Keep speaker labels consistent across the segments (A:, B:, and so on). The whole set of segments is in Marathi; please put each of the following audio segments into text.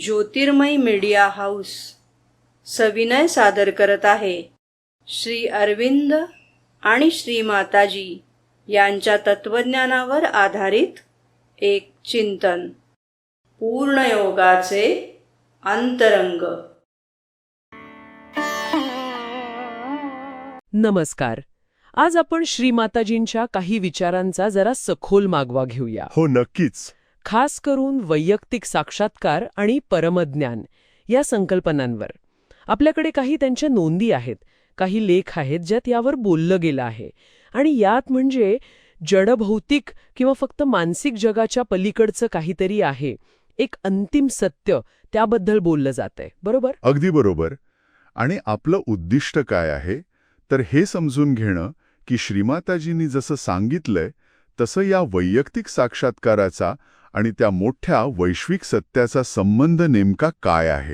A: ज्योतिर्मय मीडिया हाऊस सविनय सादर करत आहे श्री अरविंद आणि श्री माताजी यांच्या तत्वज्ञानावर आधारित एक चिंतन, पूर्णयोगाचे अंतरंग.
B: नमस्कार. आज आपण श्री माताजींच्या काही विचारांचा जरा सखोल मागोवा घेऊया.
C: हो, नक्कीच.
B: खास करून वैयक्तिक साक्षात्कार आणि परमज्ञान या संकल्पनांवर. आपल्याकडे काही त्यांच्या नोंदी आहेत, काही लेख आहेत ज्यात यावर बोललं गेलं आहे. आणि यात म्हणजे जडभौतिक किंवा फक्त मानसिक जगाच्या पलीकडचं काहीतरी आहे, एक अंतिम सत्य, त्याबद्दल बोललं जातंय. बरोबर?
C: अगदी बरोबर. आणि आपलं उद्दिष्ट काय आहे तर हे समजून घेणं की श्रीमाताजींनी जसं सांगितलंय तसं या वैयक्तिक साक्षात्काराचा आणि त्या मोठ्या वैश्विक सत्याचा संबंध नेमका काय आहे.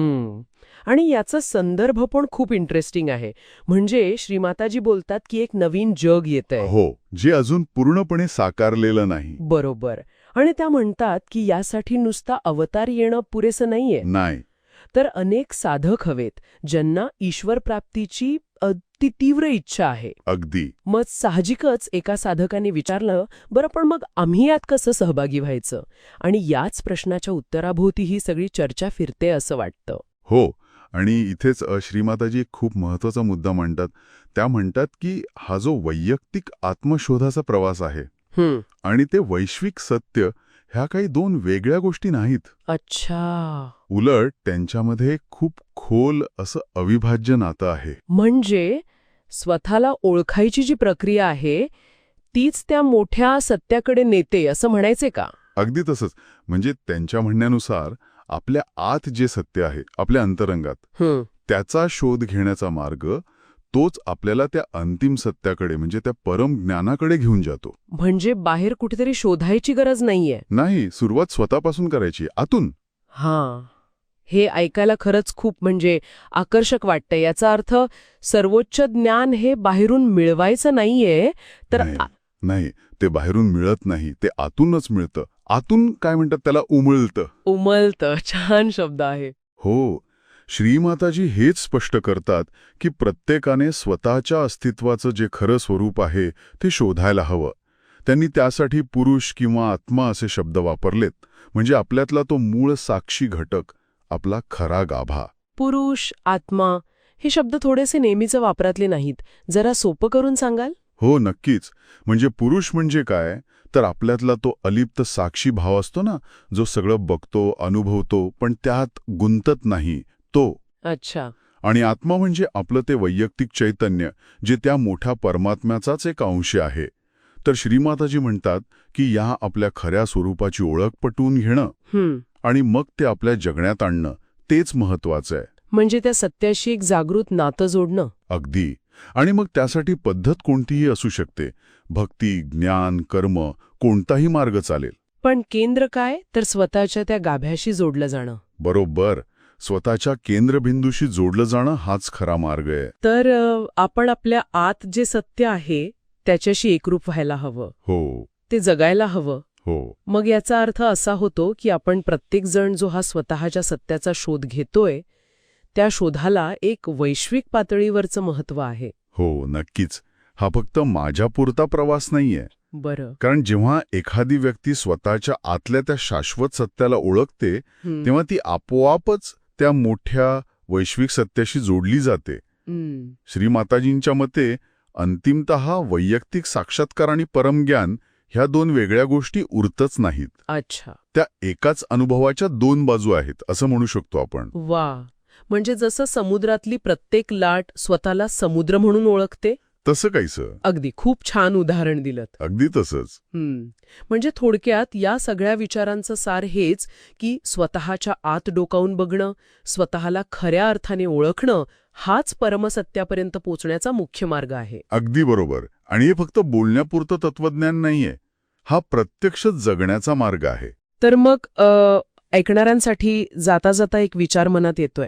B: आणि याचा संदर्भ पण खूप इंटरेस्टिंग आहे. म्हणजे श्रीमाताजी बोलतात की एक नवीन जग येतंय.
C: हो, जे अजून पूर्णपणे साकारलेलं नाही.
B: बरोबर. आणि त्या म्हणतात की यासाठी नुसता अवतार येणं पुरेसं नाहीये.
C: नाही,
B: तर अनेक साधक हवेत ज्यांना ईश्वर प्राप्तीची अति तीव्र इच्छा आहे.
C: अगदी.
B: मग साहजिकच एका साधकाने विचारलं, बरं पण मग आम्ही यात कसं सहभागी व्हायचं? आणि याच प्रश्नाच्या उत्तराभोवती ही सगळी चर्चा फिरते असं वाटतं.
C: हो. आणि इथेच श्रीमाताजी एक खूप महत्वाचा मुद्दा मांडतात. त्या म्हणतात की हा जो वैयक्तिक आत्मशोधाचा प्रवास आहे आणि ते वैश्विक सत्य ह्या काही दोन वेगळ्या गोष्टी नाहीत.
B: अच्छा.
C: उलट त्यांच्यामध्ये खूप खोल असं अविभाज्य नातं आहे.
B: म्हणजे स्वतःला ओळखायची जी प्रक्रिया आहे तीच त्या मोठ्या सत्याकडे नेते असं म्हणायचे का?
C: अगदी तसंच. म्हणजे त्यांच्या म्हणण्यानुसार आपल्या आत जे सत्य आहे, आपल्या अंतरंगात, त्याचा शोध घेण्याचा मार्ग तोच आपल्याला त्या अंतिम सत्याकडे म्हणजे त्या परम ज्ञानाकडे घेऊन जातो.
B: म्हणजे बाहेर कुठेतरी शोधायची गरज नाहीये.
C: नाही, सुरुवात स्वतःपासून करायची, आतून.
B: हां, हे ऐकायला खरंच खूप म्हणजे आकर्षक वाटतंय. याचा अर्थ सर्वोच्च ज्ञान हे बाहेरून मिळवायचं नाहीये, तर
C: नाही, ते बाहेरून मिळत नाही, ते आतूनच मिळतं. आतून काय म्हणतात त्याला, उमळतं.
B: उमलतं. छान शब्द आहे.
C: हो. श्रीमाताजी हेच स्पष्ट करतात की प्रत्येकाने स्वतःच्या अस्तित्वाचं जे खरं स्वरूप आहे ते शोधायला हवं. त्यांनी त्यासाठी पुरुष किंवा आत्मा असे शब्द वापरलेत. म्हणजे आपल्यातला तो मूळ साक्षी घटक, आपला खरा गाभा.
B: पुरुष, आत्मा हे शब्द थोडेसे नेहमीच वापरातले नाहीत. जरा सोपं करून सांगाल?
C: हो, नक्कीच. म्हणजे पुरुष म्हणजे काय तर आपल्यातला तो अलिप्त साक्षी भाव असतो ना, जो सगळं बघतो, अनुभवतो, पण त्यात गुंतत नाही, तो.
B: अच्छा.
C: आणि आत्मा म्हणजे आपलं ते वैयक्तिक चैतन्य, जे त्या मोठ्या परमात्म्याचाच एक अंश आहे. तर श्रीमाताजी म्हणतात की या आपल्या खऱ्या स्वरूपाची ओळख पटवून घेणं आणि मग ते आपल्या जगण्यात आणणं तेच महत्वाचं आहे.
B: म्हणजे त्या सत्याशी एक जागृत नातं जोडणं.
C: अगदी. आणि मग त्यासाठी पद्धत कोणतीही असू शकते. भक्ती, ज्ञान, कर्म, कोणताही मार्ग चालेल.
B: पण केंद्र काय तर स्वतःच्या त्या गाभ्याशी जोडलं जाणं.
C: बरोबर. स्वतःच्या केंद्रबिंदूशी जोडलं जाणं हाच खरा मार्ग आहे.
B: तर आपण आपल्या आत जे सत्य आहे त्याच्याशी एकरूप व्हायला हवं.
C: हो.
B: ते जगायला हवं.
C: हो.
B: मग याचा अर्थ असा होतो की आपण प्रत्येक जण जो हा स्वतःच्या सत्याचा शोध घेतोय त्या शोधाला एक वैश्विक पातळीवरचं महत्त्व आहे.
C: हो, नक्कीच. हा फक्त माझ्यापुरता प्रवास नाहीये.
B: बरं.
C: कारण जेव्हा एखादी व्यक्ती स्वतःच्या आतल्या त्या शाश्वत सत्याला ओळखते तेव्हा ती आपोआपच त्या मोठ्या वैश्विक सत्याशी जोडली जाते. श्रीमाताजींच्या मते अंतिमतः वैयक्तिक साक्षात्कार आणि परमज्ञान ह्या दोन वेगळ्या गोष्टी उरतच नाहीत.
B: अच्छा.
C: त्या एकाच अनुभवाच्या दोन बाजू आहेत असं म्हणू शकतो आपण.
B: वा. म्हणजे जसं समुद्रातली प्रत्येक लाट स्वतःला समुद्र म्हणून ओळखते
C: तसं काहीसं.
B: अगदी. खूप छान उदाहरण दिलं.
C: अगदी तसंच.
B: म्हणजे थोडक्यात या सगळ्या विचारांचं सार हेच की स्वतःच्या आत डोकावून बघणं, स्वतःला खऱ्या अर्थाने ओळखणं हाच परमसत्यापर्यंत पोचण्याचा मुख्य मार्ग आहे.
C: अगदी बरोबर. आणि हे फक्त बोलण्यापुरतं तत्वज्ञान नाहीये, हा प्रत्यक्ष जगण्याचा मार्ग आहे.
B: तर मग ऐकणाऱ्यांसाठी जाता जाता एक विचार मनात येतोय.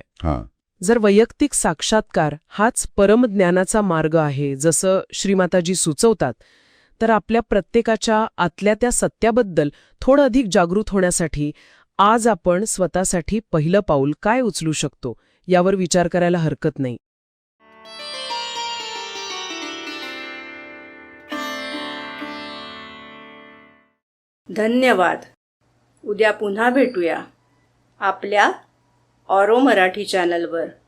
B: जर वैयक्तिक साक्षात्कार हाच परमज्ञानाचा मार्ग आहे जसं श्रीमाताजी सुचवतात, तर आपल्या प्रत्येकाच्या आतल्या त्या सत्याबद्दल थोडं अधिक जागृत होण्यासाठी आज आपण स्वतःसाठी पहिलं पाऊल काय उचलू शकतो यावर विचार करायला हरकत नाही.
A: धन्यवाद. उद्या पुन्हा भेटूया आपल्या ऑरो मराठी चॅनलवर.